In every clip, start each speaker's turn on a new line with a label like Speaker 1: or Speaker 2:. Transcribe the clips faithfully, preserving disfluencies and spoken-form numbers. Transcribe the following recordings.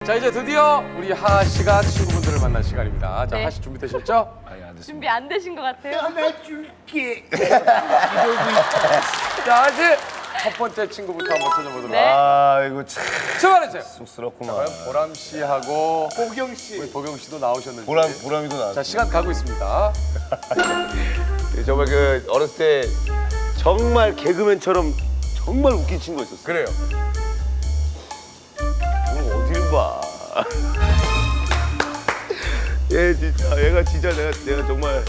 Speaker 1: 자, 이제 드디어 우리 하하 씨가 친구분들을 만날 시간입니다. 자,
Speaker 2: 네.
Speaker 1: 하하 씨 준비되셨죠?
Speaker 3: 아니, 안 됐습니다.
Speaker 2: 준비 안 되신 것 같아요.
Speaker 3: 안아줄게.
Speaker 1: 자, 하하 씨 첫 번째 친구부터 한번 찾아보도록
Speaker 2: 네.
Speaker 3: 아, 이거 참
Speaker 1: 출발해주세요.
Speaker 3: 쑥스럽구만.
Speaker 1: 과연 보람 씨하고
Speaker 3: 보경 씨.
Speaker 1: 우리 보경 씨도 나오셨는지.
Speaker 3: 보람, 보람이도 나왔어.
Speaker 1: 자, 시간 가고 있습니다.
Speaker 3: 정말 그 어렸을 때 정말 개그맨처럼 정말 웃긴 친구가 있었어.
Speaker 1: 그래요.
Speaker 3: 오늘 어딜 봐. 얘 진짜, 얘가 진짜 내가, 내가 정말.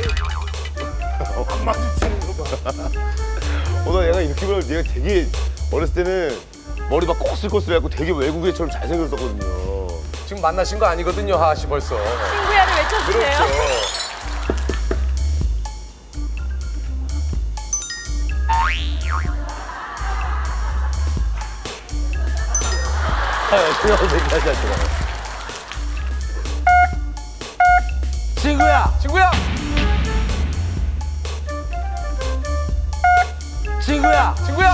Speaker 3: 안 마주치는 거 봐. 오늘 얘가 이렇게 보면 얘가 되게 어렸을 때는 머리 막 꼬슬꼬슬해갖고 되게 외국인처럼 잘생겼었거든요.
Speaker 1: 지금 만나신 거 아니거든요, 하하 씨 벌써.
Speaker 2: 친구야를 외쳐주세요.
Speaker 1: 그렇죠.
Speaker 3: 아, 그냥 얘기하지 않잖아.
Speaker 1: 친구야! 친구야!
Speaker 3: 친구야!
Speaker 1: 친구야!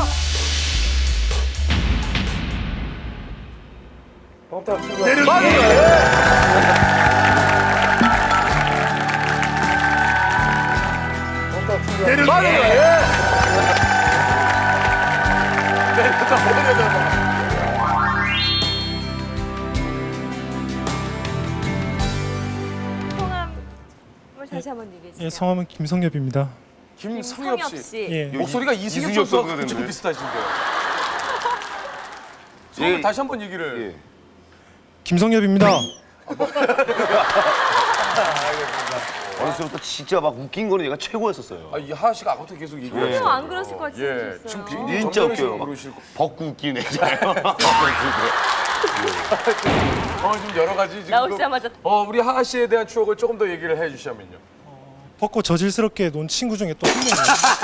Speaker 3: 내려!
Speaker 1: 맞아요. 예. 내려다 내려다.
Speaker 2: 성함을 다시 한번 얘기해 주세요.
Speaker 4: 예, 성함은 김성엽입니다.
Speaker 1: 김성엽 씨.
Speaker 2: 씨.
Speaker 4: 예,
Speaker 1: 목소리가 이승엽
Speaker 3: 이승엽
Speaker 1: 선수와
Speaker 3: 선수가
Speaker 1: 좀
Speaker 3: 됐네.
Speaker 1: 비슷하신데요. 성을
Speaker 3: 예.
Speaker 1: 다시 한번 얘기를.
Speaker 3: 예.
Speaker 4: 김성엽입니다.
Speaker 3: 어렸을 때부터 진짜 막 웃긴 거는 얘가 최고였었어요.
Speaker 1: 아, 이 하하 씨가 아까부터 계속 얘기를
Speaker 3: 예.
Speaker 2: 어, 안 그러실 것 같이
Speaker 1: 예.
Speaker 2: 생기셨어요.
Speaker 1: 지금 굉장히
Speaker 3: 진짜
Speaker 1: 정정식으로
Speaker 3: 웃겨요.
Speaker 1: 그러실 거.
Speaker 3: 벗고 웃긴 애잖아요.
Speaker 1: 어, 좀 여러 가지 지금.
Speaker 2: 나오시자마자
Speaker 1: 어, 우리 하하 씨에 대한 추억을 조금 더 얘기를 해 주시면요.
Speaker 4: 벗고 저질스럽게 논 친구 중에 또 한 명이에요.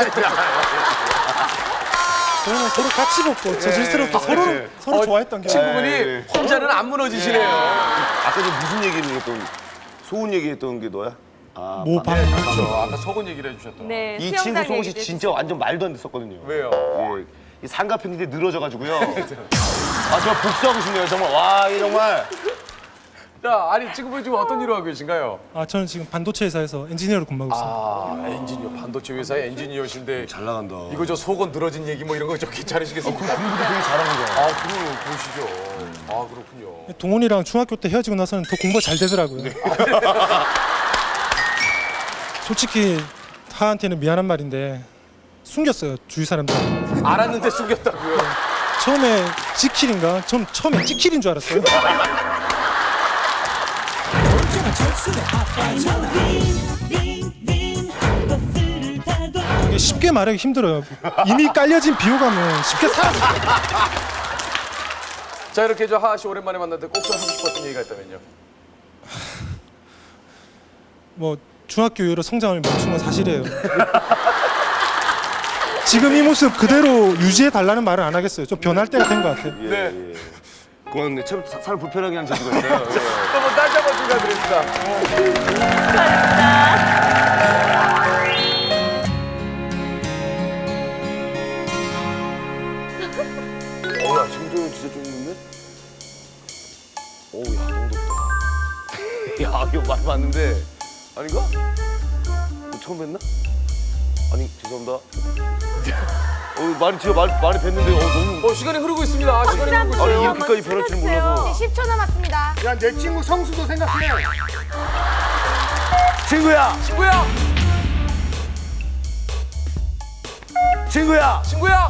Speaker 4: 저희는 서로 같이 벗고 저질스럽게 서로
Speaker 3: 네.
Speaker 4: 서로
Speaker 1: 어,
Speaker 4: 좋아했던 경험.
Speaker 1: 친구분이
Speaker 3: 예.
Speaker 1: 혼자는 안 무너지시네요.
Speaker 3: 아까 저 무슨 얘기를 했던 소은 얘기했던 게 너야? 아,
Speaker 4: 모방.
Speaker 1: 그렇죠. 아까 속은 얘기를 해주셨던.
Speaker 2: 네,
Speaker 3: 이
Speaker 2: 수영장
Speaker 3: 친구 소은 씨
Speaker 2: 얘기도
Speaker 3: 진짜 완전 말도 안 됐었거든요.
Speaker 1: 왜요?
Speaker 3: 예. 이 삼각형인데 늘어져가지고요. 아, 저 복수하고 싶네요. 정말. 와, 이 정말.
Speaker 1: 자, 아니 지금은 지금 어떤 일을 하고 계신가요?
Speaker 4: 아, 저는 지금 반도체 회사에서 엔지니어로 근무하고 있습니다.
Speaker 1: 아, 엔지니어, 반도체 회사의 엔지니어신데
Speaker 3: 잘 나간다.
Speaker 1: 이거 저 속은 늘어진 얘기 뭐 이런 거 좀 괜찮으시겠습니까?
Speaker 3: 공부도 되게 잘하는 거야.
Speaker 1: 아, 그럼 보시죠. 아, 그렇군요.
Speaker 4: 동훈이랑 중학교 때 헤어지고 나서는 더 공부가 잘 되더라고요. 솔직히 하한테는 미안한 말인데 숨겼어요, 주위 사람들한테.
Speaker 1: 알았는데 숨겼다고요?
Speaker 4: 처음에 지킬인가? 전 처음에 찍킬인 줄 알았어요. 이게 쉽게 말하기 힘들어요. 이미 깔려진 비호감은 쉽게 사라져.
Speaker 1: 자, 이렇게 저 하하 씨 오랜만에 만났는데 꼭 좀 하고 싶었던 얘기가 있다면요?
Speaker 4: 뭐 중학교 이후로 성장을 멈춘 건 사실이에요. 지금 이 모습 그대로 유지해 달라는 말은 안 하겠어요. 좀 변할 때가 된 것 같아요.
Speaker 3: 예,
Speaker 1: 네.
Speaker 3: 예. 그건 참 사- 사람 불편하게 하는 재주가 있어요. 예.
Speaker 1: 한번 다시 한번 축하드립니다.
Speaker 3: 어야 심정이 진짜 좀 있는데? 어우 야 너무 덥다. 야 이거 많이 봤는데 아닌가? 이거 처음 뵀나? 아니 죄송합니다. 어 말이 진짜 말 말이 뵀는데 어 너무
Speaker 1: 어, 시간이 흐르고 있습니다. 아, 시간이 흐르고 있어요.
Speaker 3: 아니 이렇게까지 변할 줄 몰라서.
Speaker 5: 십 초 남았습니다.
Speaker 6: 야, 내 친구 성수도 생각해.
Speaker 3: 친구야
Speaker 1: 친구야!
Speaker 3: 친구야
Speaker 1: 친구야!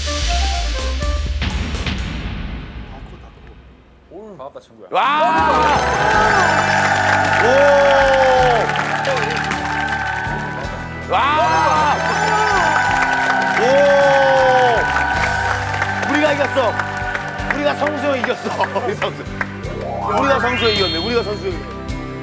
Speaker 3: 와! 오! 와! 오! 우리가 이겼어. 우리가 성수 형 이겼어. 우리 성수. 우리가 성수 형 이겼네. 우리가 성수 형 이겼네.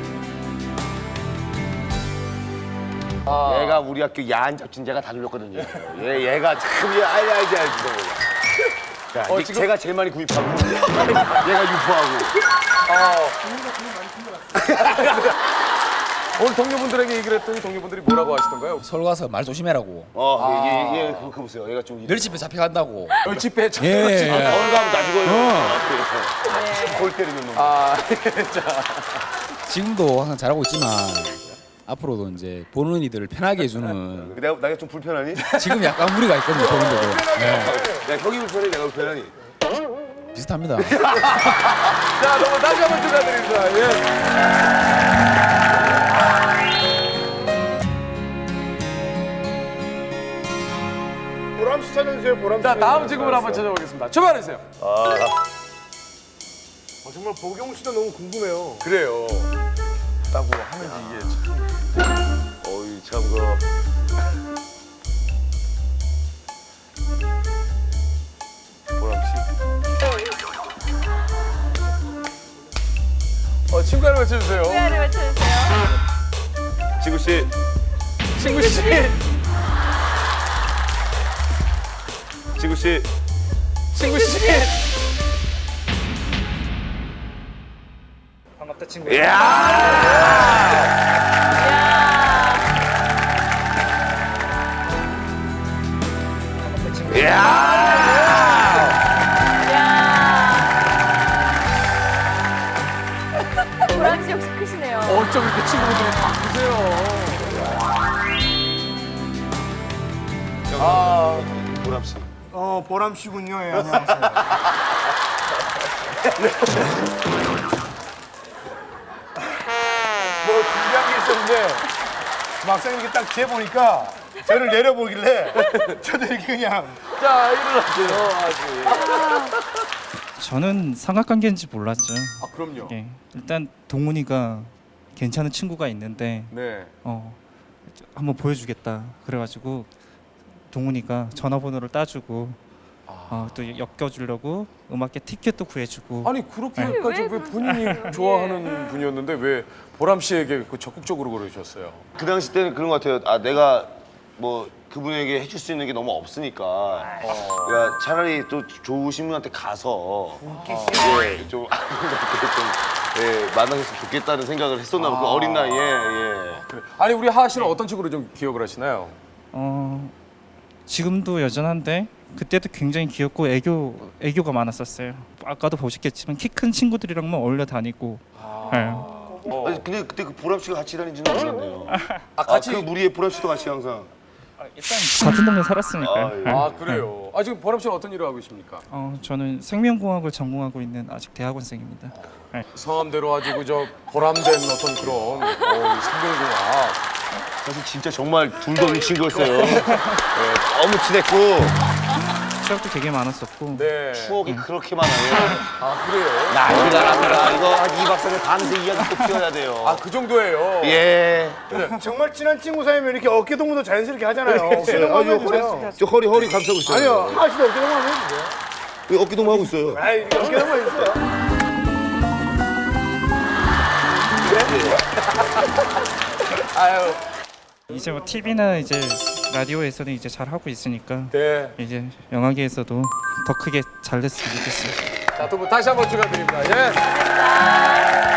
Speaker 3: 얘가 우리 학교 야한 잡진자가 다 돌렸거든요. 얘 얘가 참 얘 알지 알지 알지. 자,
Speaker 1: 어,
Speaker 3: 이-
Speaker 1: 지금-
Speaker 3: 제가 제일 많이 구입하고 얘가 유포하고.
Speaker 1: 아, 오늘 동료분들에게 얘기를 했더니 동료분들이 뭐라고 하시던가요?
Speaker 5: 서울 가서 말 조심해라고.
Speaker 3: 어, 얘, 얘, 얘, 그거 보세요. 얘가 좀.
Speaker 5: 멸치배 잡혀간다고.
Speaker 1: 열집배
Speaker 5: 예, 예.
Speaker 3: 서울 가면 다 죽어요.
Speaker 2: 네.
Speaker 3: 골 때리는 놈.
Speaker 1: 아,
Speaker 5: 지금도 항상 잘하고 있지만 앞으로도 이제 보는 이들을 편하게 해주는
Speaker 3: 내가, 내가 좀 불편하니?
Speaker 5: 지금 약간 무리가 있거든요. 보는 데도. 네.
Speaker 3: 야, 형이 불편해? 내가 불편하니?
Speaker 5: 비슷합니다.
Speaker 1: 자, 너무 다시 한번 축하드립니다. 예.
Speaker 6: 보람씨 찾아주세요. 보람씨.
Speaker 1: 자, 다음 친구분 한번 찾아보겠습니다. 출발해주세요.
Speaker 6: 어, 정말 보경 씨도 너무 궁금해요.
Speaker 1: 그래요. 따고 하는지 이게 참.
Speaker 3: 어이, 참, 그. 보람씨.
Speaker 1: 어, 친구 하나 맞춰주세요.
Speaker 2: 후회를 외쳐주세요.
Speaker 3: 지구씨.
Speaker 1: 친구 씨.
Speaker 3: 지구씨.
Speaker 1: 친구 씨.
Speaker 6: 반갑다 친구.
Speaker 3: 이야!
Speaker 6: 반갑다 친구.
Speaker 3: 이야!
Speaker 2: 이야. 보람씨 역시 크시네요.
Speaker 1: 어쩜 이렇게 친구분들이 다 크세요.
Speaker 3: 아, 보람씨.
Speaker 6: 어 보람씨군요. 예, 안녕하세요. 뭐 준비한 게 있었는데 막상 이렇게 딱 재보니까 저를 내려보길래 저도 이렇게 그냥
Speaker 1: 자, 일어나세요. 아직.
Speaker 7: 저는 삼각관계인지 몰랐죠.
Speaker 1: 아, 그럼요.
Speaker 7: 예. 일단 동훈이가 괜찮은 친구가 있는데
Speaker 1: 네.
Speaker 7: 어, 한번 보여주겠다. 그래가지고 동훈이가 전화번호를 따주고 어, 또 엮여주려고 음악계 티켓도 구해주고.
Speaker 1: 아니, 그렇게까지
Speaker 2: 왜
Speaker 1: 왜 본인이 좋아하는 분이었는데 왜 보람 씨에게 그 적극적으로 그러셨어요?
Speaker 3: 그 당시 때는 그런 것 같아요. 아, 내가 뭐 그분에게 해줄 수 있는 게 너무 없으니까. 그러니까 차라리 또 좋으신 분한테 가서 예, 좀 아름답게 좀 예, 만나셨으면 좋겠다는 생각을 했었나 봐. 그 어린 나이에. 예.
Speaker 1: 그래. 아니, 우리 하하 씨는 어떤 식으로 좀 기억을 하시나요?
Speaker 7: 어, 지금도 여전한데 그때도 굉장히 귀엽고 애교 애교가 많았었어요. 아까도 보셨겠지만 키 큰 친구들이랑만 어울려 다니고. 예.
Speaker 1: 어.
Speaker 3: 아니, 근데 그때 그 보람 씨가 같이 다니지는 몰랐네요.
Speaker 1: 아, 같이.
Speaker 3: 아, 그 무리에 보람 씨도 같이 항상.
Speaker 7: 일단 같은 동네 살았으니까요.
Speaker 3: 아, 예.
Speaker 7: 예.
Speaker 1: 아, 그래요. 아, 지금 보람 씨는 어떤 일을 하고 계십니까?
Speaker 7: 어, 저는 생명공학을 전공하고 있는 아직 대학원생입니다. 네.
Speaker 1: 성함대로 아주 그저 보람된 어떤 그런 어, 생명공학.
Speaker 3: 사실 진짜 정말 둘도 없는 친구였어요. 예, 너무 친했고
Speaker 7: 추억도 되게 많았었고.
Speaker 1: 네.
Speaker 3: 추억이 그렇게 많아요.
Speaker 1: 아, 그래요?
Speaker 3: 난리가 납니다. 이거 한 이 박사님 밤새 이야기 꼭 피워야 돼요.
Speaker 1: 아, 그 정도예요.
Speaker 3: 예.
Speaker 6: 정말 친한 친구 사이면 이렇게 어깨 동무도 자연스럽게 하잖아요. 어깨 동무
Speaker 3: 아,
Speaker 6: 한번
Speaker 3: 저 허리,
Speaker 6: 해주세요.
Speaker 3: 저 허리 허리 감싸고 있어요.
Speaker 6: 아니요, 하시도 어깨 동무 한번 해주세요.
Speaker 3: 왜 어깨 동무 하고 있어요.
Speaker 6: 아이, 어깨 동무 해주세요.
Speaker 1: 아유.
Speaker 7: 이제 뭐 티비나 이제 라디오에서는 이제 잘 하고 있으니까
Speaker 1: 네.
Speaker 7: 이제 영화계에서도 더 크게 잘 됐으면 좋겠어요.
Speaker 1: 자, 두 분 다시 한번 축하드립니다. 예.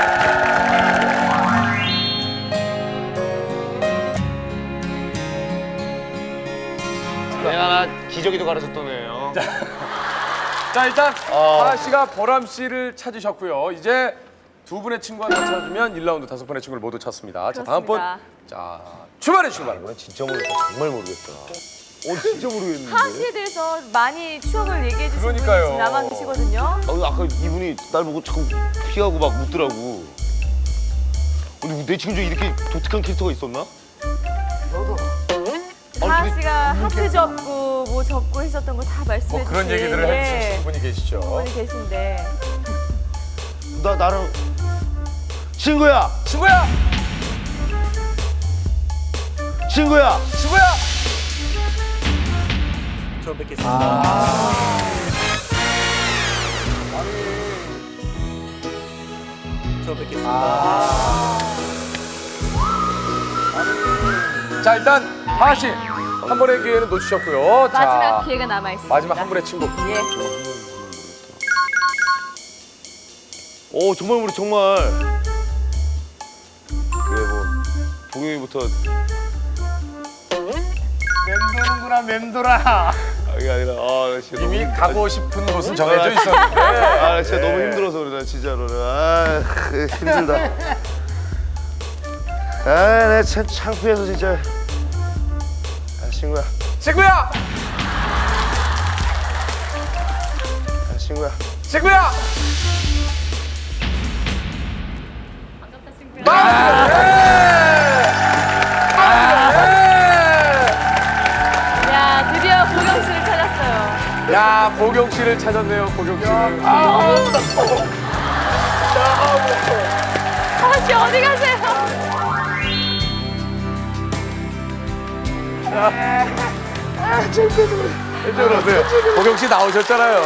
Speaker 3: 내가 나 기저귀도 갈아줬던 애예요.
Speaker 1: 자, 일단
Speaker 3: 어.
Speaker 1: 하하 씨가 보람 씨를 찾으셨고요. 이제 두 분의 친구 하나 찾으면 일 라운드 다섯 분의 친구를 모두 찾습니다. 자, 다음 분.
Speaker 2: 그렇습니다.
Speaker 1: 자, 출발해 주시기 바랍니다.
Speaker 3: 진짜 모르겠다. 정말 모르겠다. 어, 진짜 모르겠는데.
Speaker 2: 하하 씨에 대해서 많이 추억을 얘기해 주신 분이
Speaker 1: 그러니까요.
Speaker 2: 지금 남아 계시거든요.
Speaker 3: 아, 아까 이분이 날 보고 자꾸 피하고 막 묻더라고. 근데 내 친구 중에 이렇게 독특한 캐릭터가 있었나?
Speaker 2: 하하 씨가 하트 접고 뭐 접고 했었던 거 다 말씀해
Speaker 1: 뭐 그런
Speaker 2: 주신,
Speaker 1: 얘기들을
Speaker 2: 예,
Speaker 1: 해주신 분이 계시죠.
Speaker 2: 분이 계신데
Speaker 3: 나 나랑 친구야,
Speaker 1: 친구야!
Speaker 3: 친구야.
Speaker 1: 친구야!
Speaker 7: 처음 뵙겠습니다. 처음 뵙겠습니다.
Speaker 1: 자, 일단 하하 씨 한 번의 기회는 놓치셨고요.
Speaker 2: 마지막
Speaker 1: 자,
Speaker 2: 기회가 남아 있습니다.
Speaker 1: 마지막 한 분의 친구.
Speaker 2: 예.
Speaker 3: 오, 정말 우리 정말. 그래 뭐 동영이부터
Speaker 6: 맴도는구나 맴돌아.
Speaker 3: 이게 아니라 아, 나 진짜
Speaker 1: 이미
Speaker 3: 너무,
Speaker 1: 가고 싶은 곳은 정해져 있었는데.
Speaker 3: 아, 나 진짜 너무 힘들어서 그래, 나 진짜로는. 아, 힘들다. 아, 나 참 창피해서 진짜. 아, 친구야,
Speaker 1: 친구야!
Speaker 3: 아, 친구야.
Speaker 1: 친구야!
Speaker 2: 반갑다 친구야. 야 드디어 보경 씨를 찾았어요.
Speaker 1: 야, 보경 씨를 찾았네요, 보경 씨를.
Speaker 2: 아씨 어디 가세요?
Speaker 1: 이쪽으로 오세요. 보경 씨 나오셨잖아요.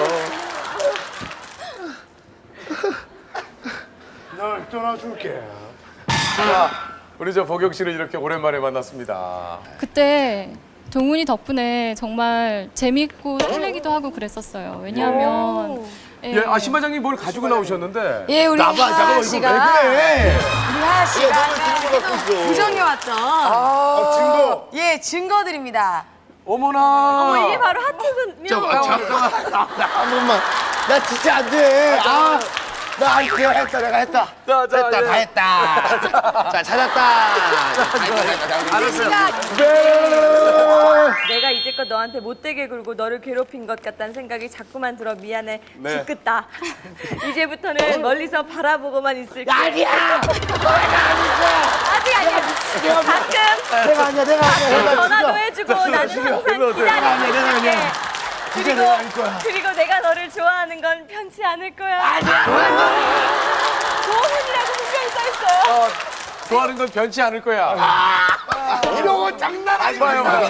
Speaker 6: 널 떠나줄게.
Speaker 1: 자, 우리 저 보경 씨를 이렇게 오랜만에 만났습니다.
Speaker 8: 그때 동훈이 덕분에 정말 재밌고 설레기도 하고 그랬었어요. 왜냐하면 예,
Speaker 1: 예, 아, 신반장님 뭘 가지고 나오셨는데?
Speaker 2: 예 우리
Speaker 6: 나봐, 잠깐만, 이거 왜 그래?
Speaker 2: 우리 하하 씨가
Speaker 3: 들고 갖고 있어.
Speaker 2: 구정에 왔던
Speaker 6: 어, 증거.
Speaker 2: 예 증거들입니다.
Speaker 1: 어머나.
Speaker 2: 어머 이게 바로 하트군요.
Speaker 3: 한 번만. 나 진짜 안 돼. 아, 나 아니, 내가 했다, 내가 했다.
Speaker 1: 자, 자,
Speaker 3: 했다,
Speaker 1: 예.
Speaker 3: 다 했다. 자, 찾았다.
Speaker 1: 알았어요.
Speaker 2: 내가 이제껏 너한테 못되게 굴고 너를 괴롭힌 것 같다는 생각이 자꾸만 들어 미안해.
Speaker 1: 네.
Speaker 2: 지긋다. 이제부터는 멀리서 바라보고만 있을게. 아니야. 아직 아니야. 가끔
Speaker 3: 내가 아니야, 내가
Speaker 2: 가끔 전화도 해주고 나는 항상 기다리고 있을게. 그리고
Speaker 6: 내가 아닐 거야.
Speaker 2: 그리고 내가 너를 좋아하는 건 편치 않을 거야. 아니야. 좋은이라고 분명히 써 있어요.
Speaker 1: 어, 좋아하는 건 변치 않을 거야.
Speaker 6: 이런 거 장난하지
Speaker 1: 봐요,
Speaker 6: 마요.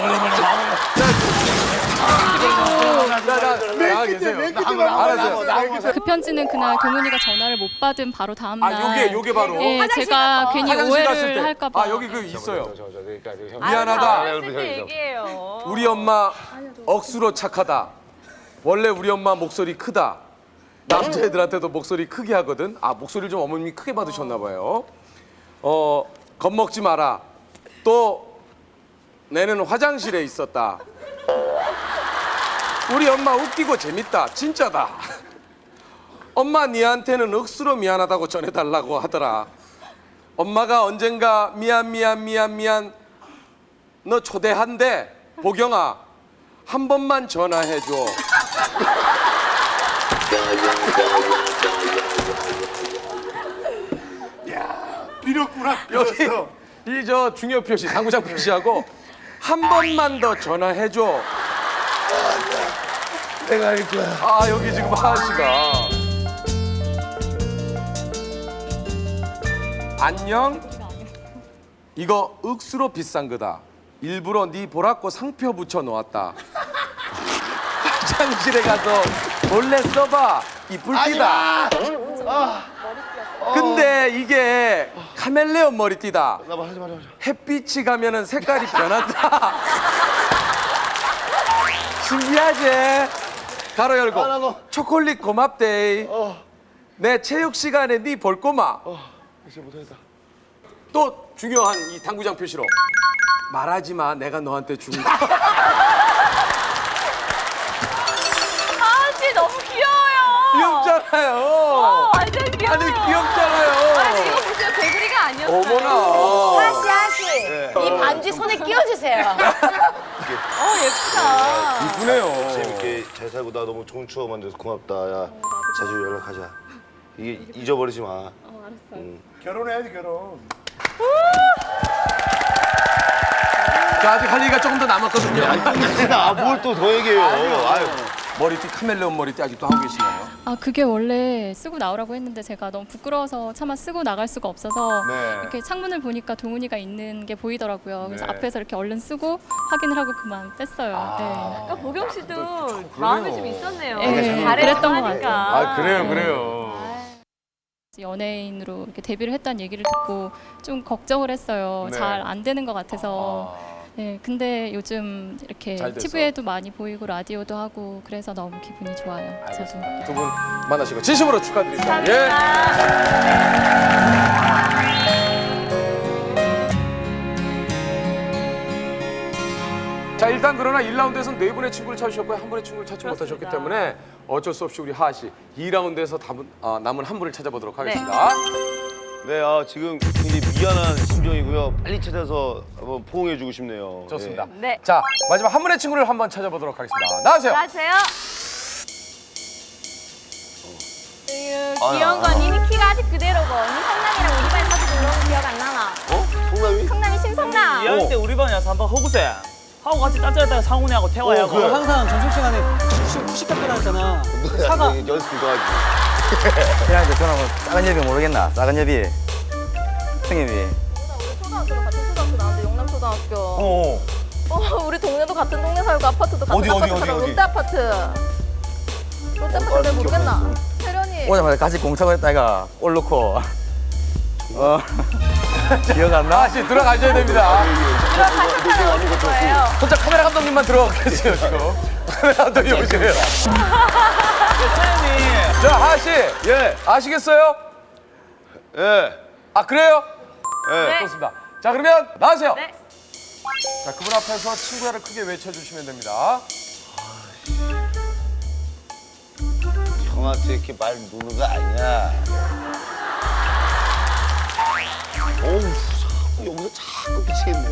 Speaker 1: 자, 자, 나가 계세요. 알았어요.
Speaker 8: 그 편지는 그날 동훈이가 전화를 못 받은 바로 다음 날.
Speaker 1: 아, 요게, 요게 바로.
Speaker 8: 예, 제가 괜히
Speaker 1: 화장실 갔을
Speaker 8: 오해를
Speaker 1: 때.
Speaker 8: 할까봐.
Speaker 1: 아, 여기 그 있어요.
Speaker 2: 아,
Speaker 1: 미안하다.
Speaker 2: 했을 때 얘기해요.
Speaker 1: 우리 엄마 억수로 착하다. 원래 우리 엄마 목소리 크다. 남자애들한테도 목소리 크게 하거든. 아, 목소리를 좀 어머님이 크게 받으셨나 봐요. 어, 겁먹지 마라. 또 내는 화장실에 있었다. 우리 엄마 웃기고 재밌다. 진짜다. 엄마 니한테는 억수로 미안하다고 전해달라고 하더라. 엄마가 언젠가 미안 미안 미안 미안 너 초대한대. 보경아 한 번만 전화해줘.
Speaker 6: 비렸구나.
Speaker 1: 여기
Speaker 6: 비렸어.
Speaker 1: 이 저 중요 표시 당구장 표시하고 한 번만 더 전화해줘.
Speaker 3: 내가 할 거야.
Speaker 1: 아 여기 지금 하하 씨가 안녕. 이거 억수로 비싼 거다. 일부러 네 보라고 상표 붙여 놓았다. 화장실에 가서 몰래 써봐. 이쁠 띠다. 근데 이게 카멜레온 머리띠다.
Speaker 3: 나봐, 하지 마라.
Speaker 1: 햇빛이 가면은 색깔이 변한다. 신기하지? 가로 열고
Speaker 3: 아, 나 너.
Speaker 1: 초콜릿 고맙데이. 내 체육 시간에 네 볼 꼬마.
Speaker 3: 이제 못하겠다.
Speaker 1: 또 중요한 이 당구장 표시로 말하지 마. 내가 너한테 준 거.
Speaker 2: 아씨 너무 귀여워요.
Speaker 1: 귀엽잖아요.
Speaker 2: 어, 완전 귀여워요.
Speaker 1: 아니 귀엽잖아요.
Speaker 2: 아니 이거 무슨 개구리가 아니었어요.
Speaker 1: 어머나.
Speaker 9: 하씨 하씨 이 반지 손에 끼워주세요.
Speaker 2: 어 예쁘다.
Speaker 1: 이쁘네요.
Speaker 3: 재밌게 잘 살고 나 너무 좋은 추억 만들어서 고맙다. 야, 자주 연락하자. 이게 잊어버리지 마.
Speaker 2: 어 알았어요.
Speaker 6: 결혼해야지 결혼.
Speaker 1: 자, 아직 할 얘기가 조금 더 남았거든요.
Speaker 3: 아, 뭘 또 더 얘기해요. 아유.
Speaker 1: 머리띠 카멜레온 머리띠 아직도 하고 계시나요?
Speaker 8: 아 그게 원래 쓰고 나오라고 했는데 제가 너무 부끄러워서 차마 쓰고 나갈 수가 없어서
Speaker 1: 네.
Speaker 8: 이렇게 창문을 보니까 동훈이가 있는 게 보이더라고요. 그래서
Speaker 1: 네.
Speaker 8: 앞에서 이렇게 얼른 쓰고 확인을 하고 그만 뺐어요.
Speaker 2: 아까 보경 씨도 마음이 좀 있었네요.
Speaker 8: 네,
Speaker 2: 잘했다고
Speaker 8: 그랬던 것
Speaker 2: 하니까.
Speaker 1: 아 그래요, 그래요.
Speaker 8: 네. 연예인으로 이렇게 데뷔를 했다는 얘기를 듣고 좀 걱정을 했어요.
Speaker 1: 네.
Speaker 8: 잘 안 되는 것 같아서. 네, 근데 요즘 이렇게
Speaker 1: 잘 돼서.
Speaker 8: 티비에도 많이 보이고 라디오도 하고 그래서 너무 기분이 좋아요. 저도.
Speaker 1: 두 분 만나시고 진심으로 축하드립니다. 예.
Speaker 2: 감사합니다.
Speaker 1: 일단 그러나 일 라운드에서는 네 분의 친구를 찾으셨고요. 한 분의 친구를 찾지 못하셨기 때문에 어쩔 수 없이 우리 하하 씨 이 라운드에서 남은, 어, 남은 한 분을 찾아보도록 하겠습니다.
Speaker 3: 네, 아, 지금 굉장히 미안한 심정이고요. 빨리 찾아서 한번 포옹해주고 싶네요.
Speaker 1: 좋습니다.
Speaker 3: 예.
Speaker 2: 네.
Speaker 1: 자, 마지막 한 분의 친구를 한번 찾아보도록 하겠습니다. 나와주세요.
Speaker 2: 안녕하세요.
Speaker 3: 아,
Speaker 9: 귀여운 건 이미 키가 아직 그대로고 언니 성남이랑 우리 반 사귀고 그런 거 기억 안 나나?
Speaker 3: 어? 성남이?
Speaker 9: 성남이 신성남.
Speaker 10: 이 학년 때 우리 반에 와서 한번 허구세 하고 같이 딴짜렸다가 상훈이하고 태화하고
Speaker 3: 그래.
Speaker 10: 항상 점심시간에 후식, 후식 학교라 했잖아. 사과.
Speaker 3: 연습 좀 하지.
Speaker 11: 그냥 저는 뭐 작은 여비 모르겠나? 작은 여비, 승엽이.
Speaker 9: 우리 초등학교도 같은 초등학교 나왔는데 용남초등학교.
Speaker 3: 어.
Speaker 9: 어, 우리 동네도 같은 동네 살고 아파트도 같은
Speaker 3: 어디, 어디,
Speaker 9: 아파트
Speaker 3: 어디,
Speaker 9: 살고
Speaker 3: 어디?
Speaker 9: 롯데 아파트. 롯데 아파트 잘 모르겠나? 세련이.
Speaker 11: 오자마자 같이 공차고 했다 이가 골 넣고. 어. 기억 안 나?
Speaker 1: 하하 씨 들어가셔야 됩니다.
Speaker 9: 들어가셨다는 거예요.
Speaker 1: 혼자 카메라 감독님만 들어가 계세요, 지금. 카메라 감독님 오시네요.
Speaker 10: 사장님.
Speaker 1: 자, 하하 씨.
Speaker 3: 예.
Speaker 1: 아시겠어요?
Speaker 3: 예.
Speaker 1: 아, 그래요?
Speaker 3: 예.
Speaker 2: 네.
Speaker 1: 좋습니다. 자, 그러면 나와주세요.
Speaker 2: 네.
Speaker 1: 자, 그분 앞에서 친구야를 크게 외쳐주시면 됩니다.
Speaker 3: 형한테 이렇게 말 누르는 거 아니야. 어우, 자꾸 여기서 자꾸 미치겠네.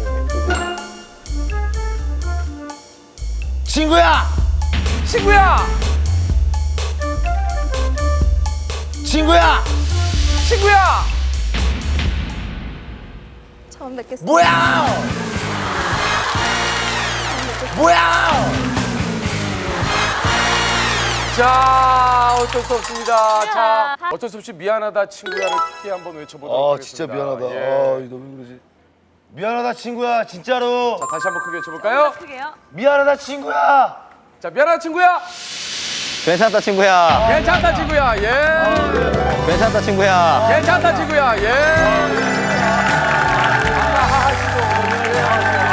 Speaker 3: 친구야!
Speaker 1: 친구야!
Speaker 3: 친구야!
Speaker 1: 친구야!
Speaker 9: 처음 뵙겠습니다.
Speaker 3: 뭐야! 뭐야!
Speaker 1: 자, 어쩔 수 없습니다. 자,
Speaker 2: 자,
Speaker 1: 어쩔 수 없이 미안하다 친구야를 크게 한번 외쳐보도록
Speaker 3: 아,
Speaker 1: 하겠습니다.
Speaker 3: 진짜 미안하다.
Speaker 1: 예.
Speaker 3: 아, 너왜 그러지? 미안하다, 친구야. 진짜로.
Speaker 1: 자, 다시 한번 크게 외쳐볼까요?
Speaker 2: 크게요.
Speaker 3: 미안하다, 친구야.
Speaker 1: 자, 미안하다 친구야!
Speaker 11: 괜찮다 친구야.
Speaker 1: 괜찮다 친구야, 예!
Speaker 11: 괜찮다 친구야.
Speaker 1: 괜찮다 친구야, 예! 아까 하하 씨도 오늘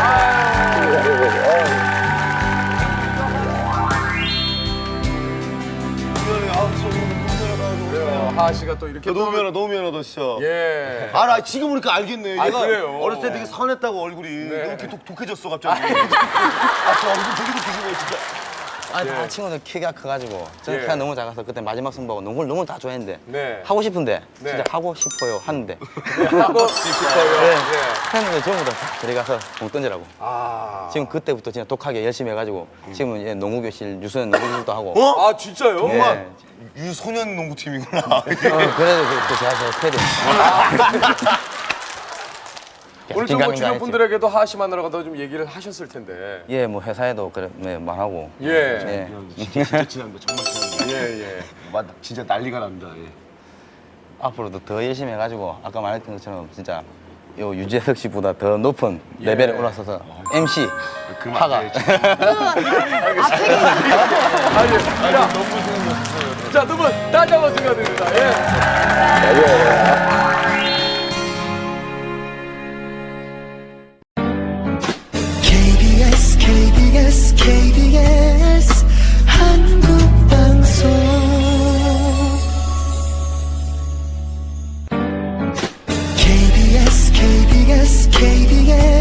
Speaker 3: 미안해. 아, 진짜 오늘 너무 미안하다.
Speaker 1: 그래요. 하하 씨가 또 이렇게
Speaker 3: 너무
Speaker 1: 또-
Speaker 3: 미안하다, 너무 미안하다, 진짜.
Speaker 1: 예.
Speaker 3: 아, 나 지금 보니까 알겠네.
Speaker 1: 아,
Speaker 3: 얘가
Speaker 1: 그래요?
Speaker 3: 어렸을 때 되게 선했다고 얼굴이.
Speaker 1: 네.
Speaker 3: 너무 이렇게 독, 독해졌어, 갑자기. 아, 저 얼굴 되게 독해진 거 진짜.
Speaker 11: 아니 다 친구들 키가 커가지고 저는
Speaker 1: 예.
Speaker 11: 키가 너무 작아서 그때 마지막 승부하고 농구를 너무 다 좋아했는데
Speaker 1: 네.
Speaker 11: 하고 싶은데
Speaker 1: 네.
Speaker 11: 진짜 하고 싶어요 하는데
Speaker 1: 하고 싶어요.
Speaker 11: 네.
Speaker 1: 예.
Speaker 11: 했는데 전부 다 들어가서 공 던지라고.
Speaker 1: 아.
Speaker 11: 지금 그때부터 진짜 독하게 열심히 해가지고 지금은 이제 농구 교실 유소년 농구 교실도 하고.
Speaker 3: 어?
Speaker 1: 아, 진짜요?
Speaker 11: 예.
Speaker 3: 유소년 농구팀이구나.
Speaker 11: 어, 그래도 그, 그 제가 저 패드니까.
Speaker 1: 오늘 좀 뭐 주변 분들에게도 하하 씨 만나러 좀 얘기를 하셨을 텐데.
Speaker 11: 예, 뭐 회사에도 그래 네, 말하고.
Speaker 1: 예.
Speaker 11: 예.
Speaker 3: 진짜 친합니다. 정말 친합니다.
Speaker 1: 예, 예.
Speaker 3: 맞, 진짜 난리가 납니다. 예.
Speaker 11: 앞으로도 더 열심히 해가지고 아까 말했던 것처럼 진짜 요 유재석 씨보다 더 높은
Speaker 1: 예.
Speaker 11: 레벨에 올라서서 엠씨
Speaker 3: 그만
Speaker 11: 하가.
Speaker 3: 안 돼,
Speaker 1: 아니, 자, 자, 두 분 다시 한번 축하드립니다. 예.
Speaker 12: 케이비에스 케이비에스 케이비에스 한국방송 케이비에스 케이비에스 케이비에스